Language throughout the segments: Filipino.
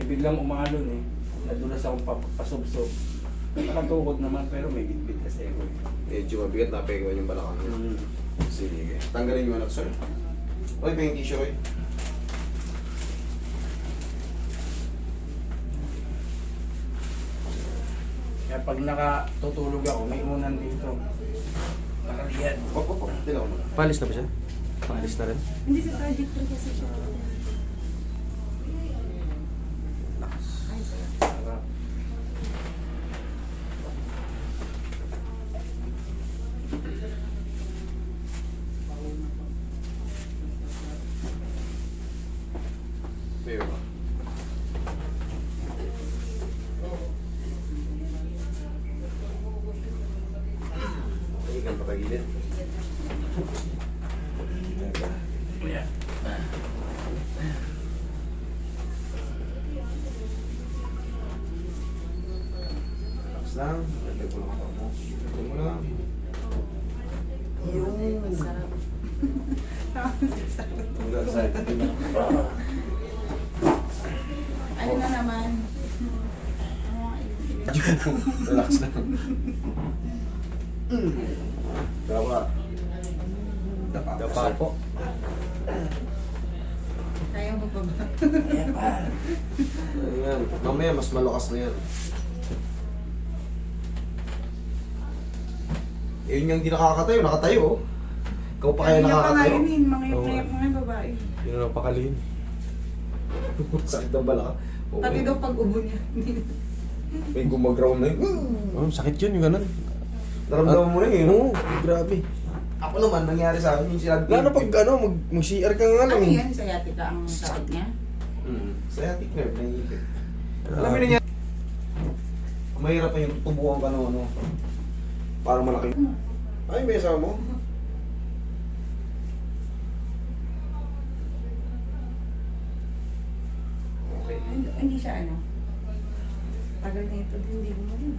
biglang umalon eh. Nadulas akong pasubsob. Nakatukod naman pero may bitbit kasi ako eh. Medyo mabigat na pegawan yung balakang niya. Mm. Sige. Tanggalin nyo na ito, sir. Okay, pa yung tissue, Roy. Kaya pag nakatutulog ako, may unan dito. Nakaliyan. Wap. Dilaw mo. Palis na ba siya? Palis na rin? Hindi sa project ko kasi siya. Ay, sarap. Sarap. May ba? Ikan patagilid. Yeah. Relax lang. Lagay ko lang ang paa mo. Lagay mo lang. Yung. Sarap. Hanggang sa ito na. Ano na naman? Relax lang. Dapa. Dapa po. Kaya mo pa ba? Ayan. Mamaya mas malakas na yan. Eh, yun yung hindi nakakatayo. Nakatayo oh. Ikaw pa kaya nakakatayo. Mga Oo. iyak mga babae. Yun ang pakalihin. Sakit ng balaka. Oo. Pati daw pag ubo niya. May gumaground na yun. Oh, sakit yun, yung ganun. Naramdaman mo na yun. Oo, grabe. Ako naman, nangyari sa akin yung sinabi. Lalo pag mag-CR ka nga lang Ano eh. yan? Sciatica ang sakit niya? Sciatic nerve, naiipit. Alam mo na niya. Mahirap na yung tubuhan ka ng ano. Parang malaki. Ay, may asawa mo? Okay. Hindi siya ano? Tagal na ito, hindi mo rin.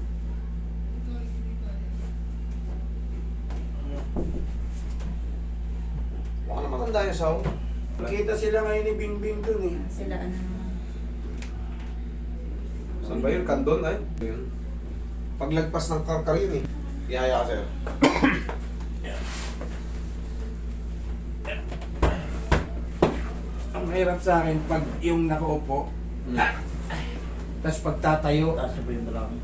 Baka na matanda yung asawa mo. Kita sila ngayon ni Bingbing dun eh. Sila ano naman. Saan ba yun? Kandon ay? Yun. Paglagpas ng karkar yun eh. Ihaya ka sa'yo. Ang hirap sa akin pag yung nakaupo, tapos pagtatayo, taas na ba yung dalawang?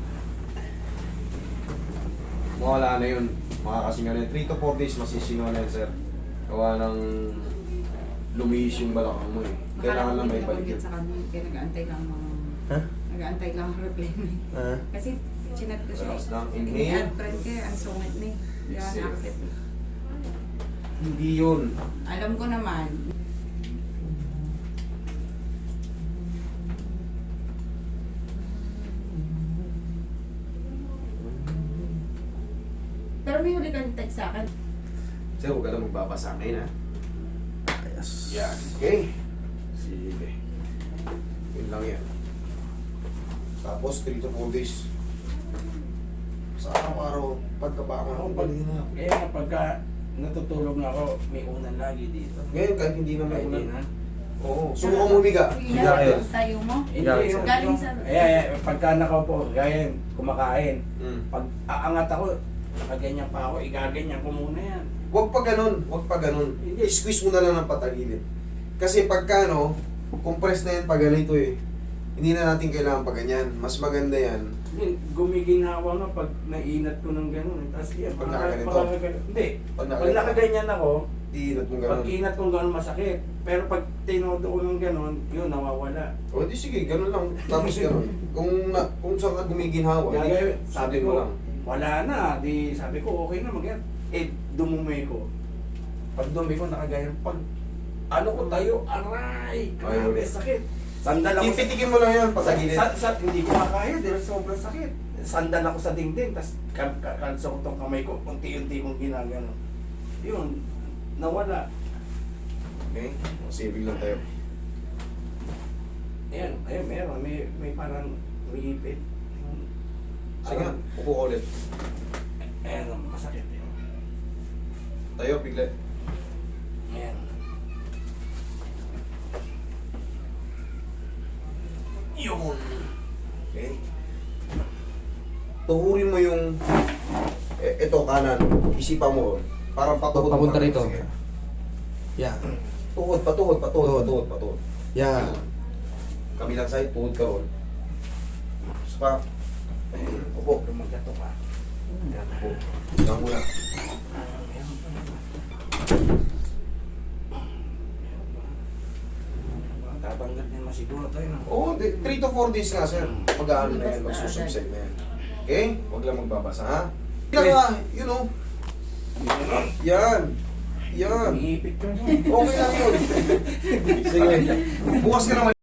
Mawala na yun. Makakasinga na yun. 3 to 4 days masisingaw na yun, sir. Gawa ng lumiis yung balakang mo eh. Kailangan lang may balik yun. Sa kanya, kaya nag-aantay lang mga... Ha? Nag-aantay lang ang reply mo eh. Ah. Kasi chinat ko siya. Relax lang. Inhale. Ini-add friend ko ang sungit ni. Yan, Yes, sir. accept eh. Hindi yun. Alam ko naman. Pero may huli kang text sa akin. Sir, huwag ka na magbabasa ngayon ha. Yes. Yan. Okay. Sige. Yun lang yan. Tapos 3 to 4 days. Sa araw-araw, pagkabangon ako, galing na. Kaya nga pagka natutulog na ako, may unan lagi dito. Ngayon, kahit hindi na may Kahit ulan. di na. Oo. Subukan mo umiga. Higa kayo. Tayo mo. Hindi, Galing yung, Galing sa... pagka nakaupo, gaya yun, kumakain. Mm. Pag aangat ako, nakaganyan pa ako, igaganyan ko muna yan. Huwag pa ganun. Huwag pa ganun. Hindi. I-squeeze mo na lang ng patagilid. Kasi pagka no, compress na yan pag ganito eh. Hindi na natin kailangan pa ganyan. Mas maganda yan. Hindi, gumiginhawa nga pag nainat ko ng gano'n. Tapos yan, Pag nakaganito? Hindi, Pag pag nakaganyan ako, Iinat mo pag ganun. inat kong gano'n masakit. Pero pag tinodo ko ng gano'n, yun, nawawala. O di sige, ganun lang. Tapos ganun. Kung saan ka gumiginhawa, Gagawin, sabi sabi mo ko, lang. wala na. Di, sabi ko, okay na mag dumumi ko. Pag dumi ko, nakaganyan. Pag ano ko tayo, aray, grabe, ulit. sakit. Sandal ako Pipitikin mo lang yan, patagilid. hindi ko makaya dahil sobrang sakit. Sandal ako sa dingding, tapos kalso ko tong kamay ko, unti-unti kong ginagano. Yun, nawala. Okay? Saving lang tayo. Ayan, ayun, meron. May parang umiipit. Sige nga, upo ka ulit. Ayan, masakit yun. Tayo, bigla. Ayan. Yun. Okay. Tuhurin mo yung ito kanan, isipan mo ron. Parang patuhod. Papunta mo. rito. Sige. Yan. Tuhod, patuhod. Yan. Kabilang side, tuhod ka ron. Saka, upo. Lumagato ka. Upo. Yan muna. Tatanggal din masiguro tayo. No? Oo, 3 to 4 days nga, sir. Pag-aano na yan, magsusubside na yan. Okay? Huwag lang magbabasa, ha? Yan nga, you know. Yan. Yan. Iipit ko. Okay lang yun. Sige. Bukas ka naman.